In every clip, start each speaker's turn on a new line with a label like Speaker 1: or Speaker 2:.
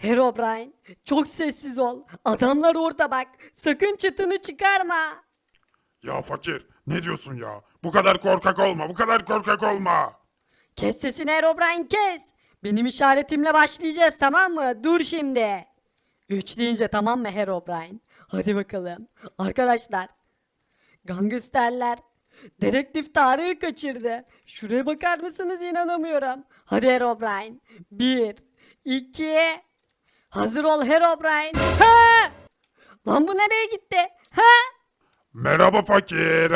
Speaker 1: Herobrine, çok sessiz ol. Adamlar orada bak. Sakın çıtını çıkarma.
Speaker 2: Ya fakir, ne diyorsun ya? Bu kadar korkak olma, bu kadar korkak olma.
Speaker 1: Kes sesini Herobrine, kes. Benim işaretimle başlayacağız, tamam mı? Dur şimdi. 3 deyince tamam mı Herobrine? Hadi bakalım. Arkadaşlar, gangsterler dedektif Tarık'ı kaçırdı. Şuraya bakar mısınız? İnanamıyorum. Hadi Herobrine. Bir, iki. Hazır ol Herobrine. Ha! Lan bu nereye gitti? Ha?
Speaker 2: Merhaba fakir.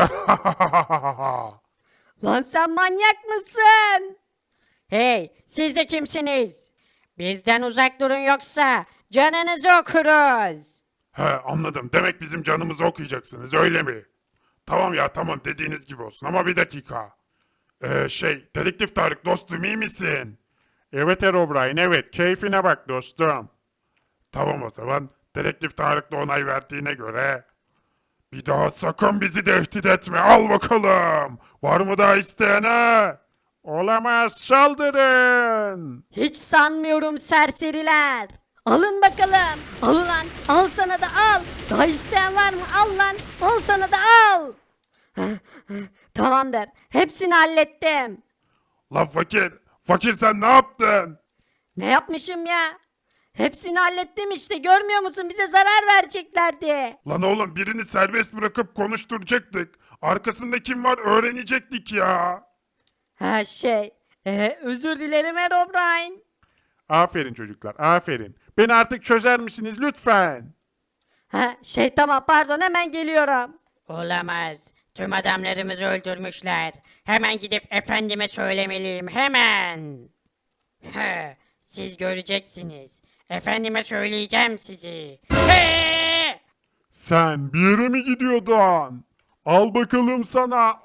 Speaker 1: Lan sen manyak mısın? Hey, siz de kimsiniz? Bizden uzak durun yoksa canınızı okuruz.
Speaker 2: He, anladım. Demek bizim canımızı okuyacaksınız, öyle mi? Tamam ya, tamam, dediğiniz gibi olsun ama bir dakika. Dedektif Tarık dostum, iyi misin? Evet Herobrine, evet, keyfine bak dostum. Tamam o zaman, dedektif Tarık da onay verdiğine göre... Bir daha sakın bizi tehdit etme, al bakalım. Var mı daha isteyene? Olamaz, saldırın.
Speaker 1: Hiç sanmıyorum serseriler. Alın bakalım. Al lan. Al sana da al. Daha isteyen var mı? Al lan. Al sana da al. Tamamdır. Hepsini hallettim.
Speaker 2: Lan fakir, fakir sen ne yaptın?
Speaker 1: Ne yapmışım ya? Hepsini hallettim işte. Görmüyor musun? Bize zarar vereceklerdi.
Speaker 2: Lan oğlum, birini serbest bırakıp konuşturacaktık. Arkasında kim var öğrenecektik ya.
Speaker 1: Ha şey. Özür dilerim Herobrine.
Speaker 2: Aferin çocuklar, aferin. Beni artık çözer misiniz lütfen?
Speaker 1: Ha şey tamam pardon hemen geliyorum.
Speaker 3: Olamaz. Tüm adamlarımızı öldürmüşler. Hemen gidip efendime söylemeliyim. Hemen. Siz göreceksiniz. Efendime söyleyeceğim sizi.
Speaker 2: Sen bir yere mi gidiyordun? Al bakalım sana.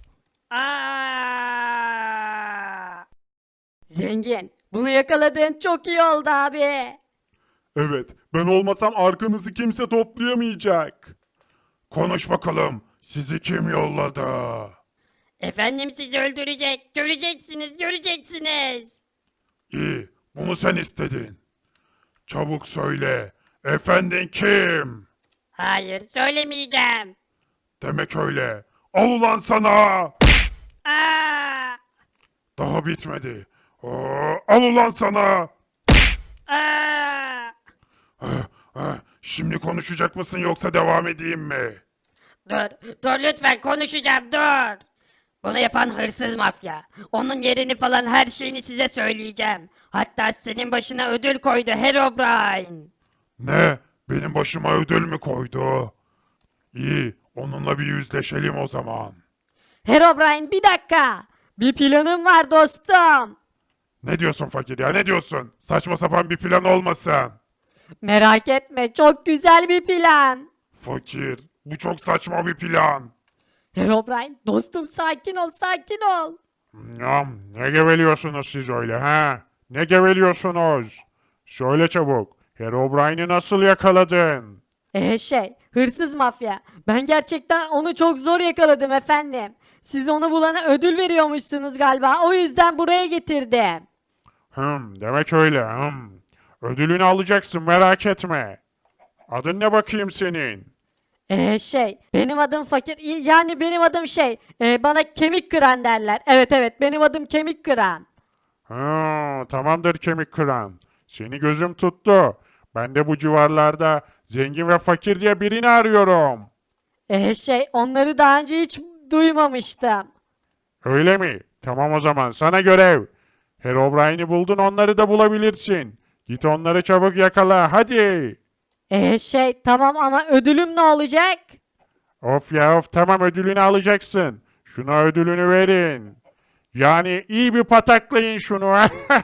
Speaker 3: Aa!
Speaker 1: Zengin bunu yakaladığın çok iyi oldu abi.
Speaker 2: Evet, ben olmasam arkanızı kimse toplayamayacak. Konuş bakalım, sizi kim yolladı?
Speaker 3: Efendim sizi öldürecek. Göreceksiniz, göreceksiniz.
Speaker 2: İyi, bunu sen istedin. Çabuk söyle, efendin kim?
Speaker 3: Hayır, söylemeyeceğim.
Speaker 2: Demek öyle. Al ulan sana.
Speaker 3: Aa!
Speaker 2: Daha bitmedi. Al ulan sana.
Speaker 3: Aa!
Speaker 2: Şimdi konuşacak mısın yoksa devam edeyim mi?
Speaker 3: Dur, dur lütfen konuşacağım, dur. Bunu yapan hırsız mafya. Onun yerini falan her şeyini size söyleyeceğim. Hatta senin başına ödül koydu Herobrine.
Speaker 2: Ne? Benim başıma ödül mü koydu? İyi, onunla bir yüzleşelim o zaman.
Speaker 1: Herobrine bir dakika. Bir planım var dostum.
Speaker 2: Ne diyorsun fakir ya, ne diyorsun? Saçma sapan bir plan olmasın.
Speaker 1: Merak etme çok güzel bir plan.
Speaker 2: Fakir, bu çok saçma bir plan.
Speaker 1: Herobrine dostum sakin ol sakin ol.
Speaker 2: Ne geveliyorsunuz siz öyle ha? Ne geveliyorsunuz? Söyle çabuk, Herobrine'i nasıl yakaladın?
Speaker 1: Hırsız mafya. Ben gerçekten onu çok zor yakaladım efendim. Siz onu bulana ödül veriyormuşsunuz galiba. O yüzden buraya getirdim.
Speaker 2: Demek öyle. Ödülünü alacaksın, merak etme. Adın ne bakayım senin?
Speaker 1: Benim adım fakir. Yani benim adım bana kemik kıran derler. Evet evet benim adım kemik kıran.
Speaker 2: Tamamdır kemik kıran. Seni gözüm tuttu. Ben de bu civarlarda zengin ve fakir diye birini arıyorum.
Speaker 1: Onları daha önce hiç duymamıştım.
Speaker 2: Öyle mi? Tamam o zaman sana görev. Herobrine'i buldun, onları da bulabilirsin. Git onları çabuk yakala hadi.
Speaker 1: Tamam ama ödülüm ne olacak?
Speaker 2: Of ya of, tamam, ödülünü alacaksın. Şuna ödülünü verin. Yani iyi bir pataklayın şunu.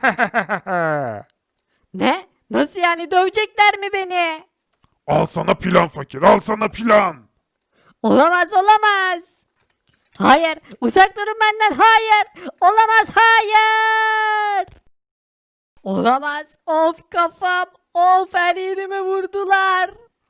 Speaker 1: Ne? Nasıl yani dövecekler mi beni?
Speaker 2: Al sana plan fakir, al sana plan.
Speaker 1: Olamaz olamaz. Hayır uzak durun benden hayır. Olamaz hayır. Olamaz. Of kafam. Of her yerime vurdular.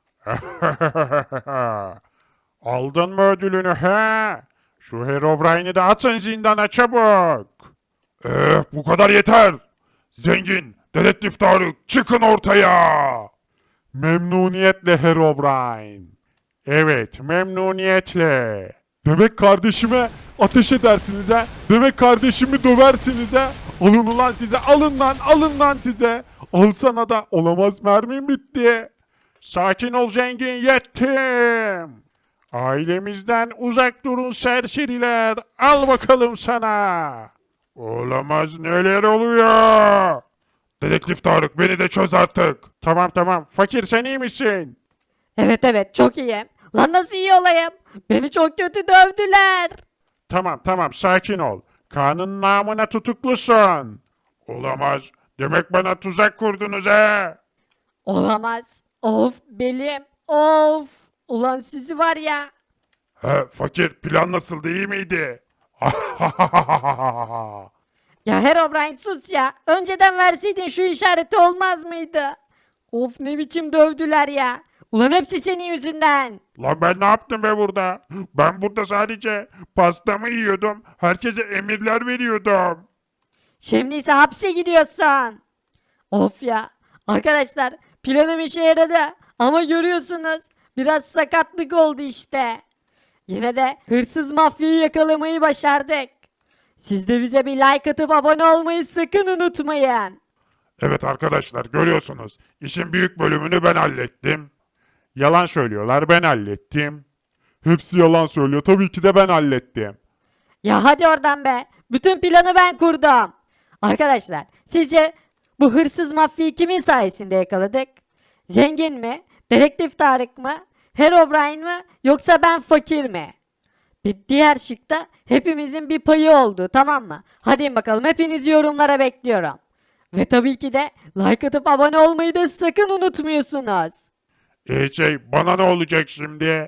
Speaker 2: Aldın mı ödülünü he? Şu Herobrine'i de atın zindana çabuk. Bu kadar yeter. Zengin, Dedektif Tarık çıkın ortaya. Memnuniyetle Herobrine. Evet, memnuniyetle. Demek kardeşime ateş edersiniz ha? Demek kardeşimi döversiniz ha? Alın ulan size, alın lan size. Al sana da, olamaz mermim bitti. Sakin ol zengin, yettim. Ailemizden uzak durun serseriler. Al bakalım sana. Olamaz, neler oluyor? Dedektif Tarık, beni de çöz artık. Tamam, fakir sen iyi misin?
Speaker 1: Evet evet çok iyiyim. Lan nasıl iyi olayım? Beni çok kötü dövdüler.
Speaker 2: Tamam, sakin ol. Kanun namına tutuklusun. Olamaz. Demek bana tuzak kurdunuz he.
Speaker 1: Olamaz. Of belim. Of. Ulan sizi var ya.
Speaker 2: He fakir, plan nasıldı, iyi miydi?
Speaker 1: Ya Herobrine sus ya. Önceden verseydin şu işareti olmaz mıydı? Of ne biçim dövdüler ya. Ulan hepsi senin yüzünden.
Speaker 2: Lan ben ne yaptım be burada? Ben burada sadece pastamı yiyordum. Herkese emirler veriyordum.
Speaker 1: Şimdi ise hapse gidiyorsun. Of ya. Arkadaşlar planım işe yaradı. Ama görüyorsunuz biraz sakatlık oldu işte. Yine de hırsız mafyayı yakalamayı başardık. Siz de bize bir like atıp abone olmayı sakın unutmayın.
Speaker 2: Evet arkadaşlar, görüyorsunuz. İşin büyük bölümünü ben hallettim. Yalan söylüyorlar, ben hallettim. Hepsi yalan söylüyor, tabii ki de ben hallettim.
Speaker 1: Ya hadi oradan be. Bütün planı ben kurdum. Arkadaşlar sizce bu hırsız mafyayı kimin sayesinde yakaladık? Zengin mi? Dedektif Tarık mı? Herobrine mı? Yoksa ben fakir mi? Bir diğer şıkta hepimizin bir payı oldu, tamam mı? Hadi bakalım, hepinizi yorumlara bekliyorum. Ve tabii ki de like atıp abone olmayı da sakın unutmuyorsunuz.
Speaker 2: Bana ne olacak şimdi?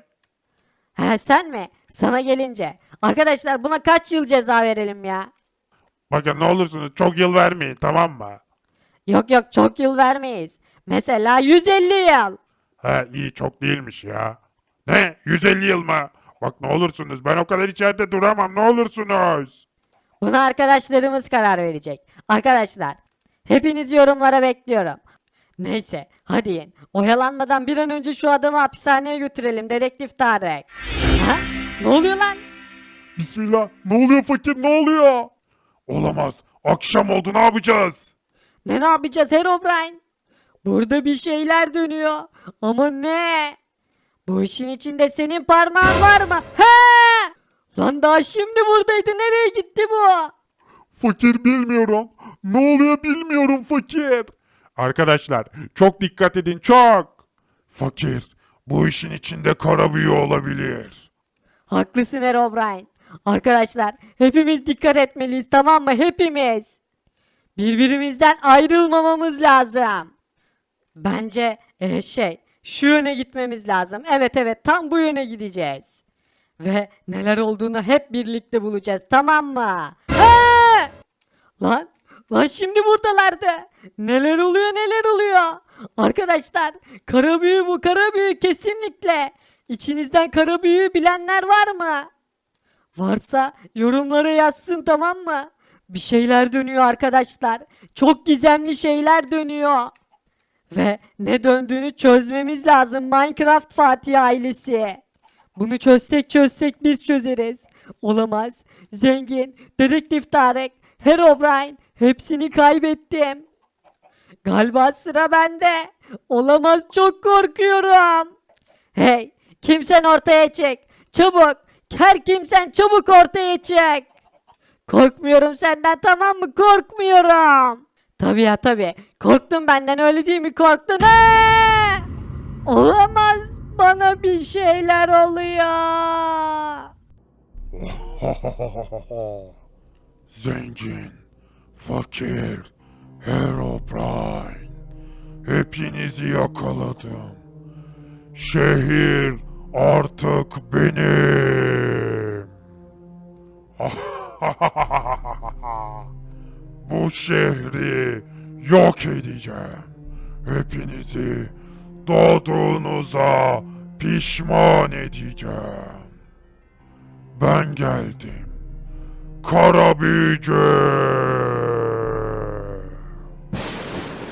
Speaker 1: He sen mi? Sana gelince. Arkadaşlar buna kaç yıl ceza verelim ya?
Speaker 2: Bakın ne olursunuz çok yıl vermeyin, tamam mı?
Speaker 1: Yok yok çok yıl vermeyiz. Mesela 150 yıl.
Speaker 2: He iyi, çok değilmiş ya. Ne? 150 yıl mı? Bak ne olursunuz, ben o kadar içeride duramam, ne olursunuz.
Speaker 1: Buna arkadaşlarımız karar verecek. Arkadaşlar hepiniz yorumlara bekliyorum. Neyse hadi yiyin. Oyalanmadan bir an önce şu adamı hapishaneye götürelim Dedektif Tarık. Ha? Ne oluyor lan?
Speaker 2: Bismillah, ne oluyor fakir, ne oluyor? Olamaz, akşam oldu, ne yapacağız?
Speaker 1: Ne yapacağız Herobrine? Burada bir şeyler dönüyor. Ama ne? Bu işin içinde senin parmağın var mı? He! Lan daha şimdi buradaydı. Nereye gitti bu?
Speaker 2: Fakir bilmiyorum. Ne oluyor bilmiyorum fakir. Arkadaşlar çok dikkat edin, çok. Fakir, bu işin içinde kara büyü olabilir.
Speaker 1: Haklısın Herobrine. Arkadaşlar hepimiz dikkat etmeliyiz, tamam mı? Hepimiz. Birbirimizden ayrılmamamız lazım. Bence şu yöne gitmemiz lazım. Evet evet tam bu yöne gideceğiz. Ve neler olduğunu hep birlikte bulacağız, tamam mı? Ha! Lan şimdi buradalardı. Neler oluyor neler oluyor. Arkadaşlar kara büyü bu, kara büyü kesinlikle. İçinizden kara büyüyü bilenler var mı? Varsa yorumlara yazsın, tamam mı? Bir şeyler dönüyor arkadaşlar. Çok gizemli şeyler dönüyor. Ve ne döndüğünü çözmemiz lazım Minecraft Fatih ailesi. Bunu çözsek biz çözeriz. Olamaz. Zengin, Dedektif Tarık, Herobrine hepsini kaybettim. Galiba sıra bende. Olamaz, çok korkuyorum. Hey, kimsen ortaya çık. Çabuk. Her kimsen çabuk ortaya çık. Korkmuyorum senden, tamam mı? Korkmuyorum. Tabii ya tabii. Korktun benden, öyle değil mi? Korktun. Ha! Olamaz. Bana bir şeyler oluyor.
Speaker 2: Zengin, fakir, Herobrine. Hepinizi yakaladım. Şehir artık benim. Bu şehri yok edeceğim. Hepinizi doğduğunuza pişman edeceğim. Ben geldim. Kara büyücü.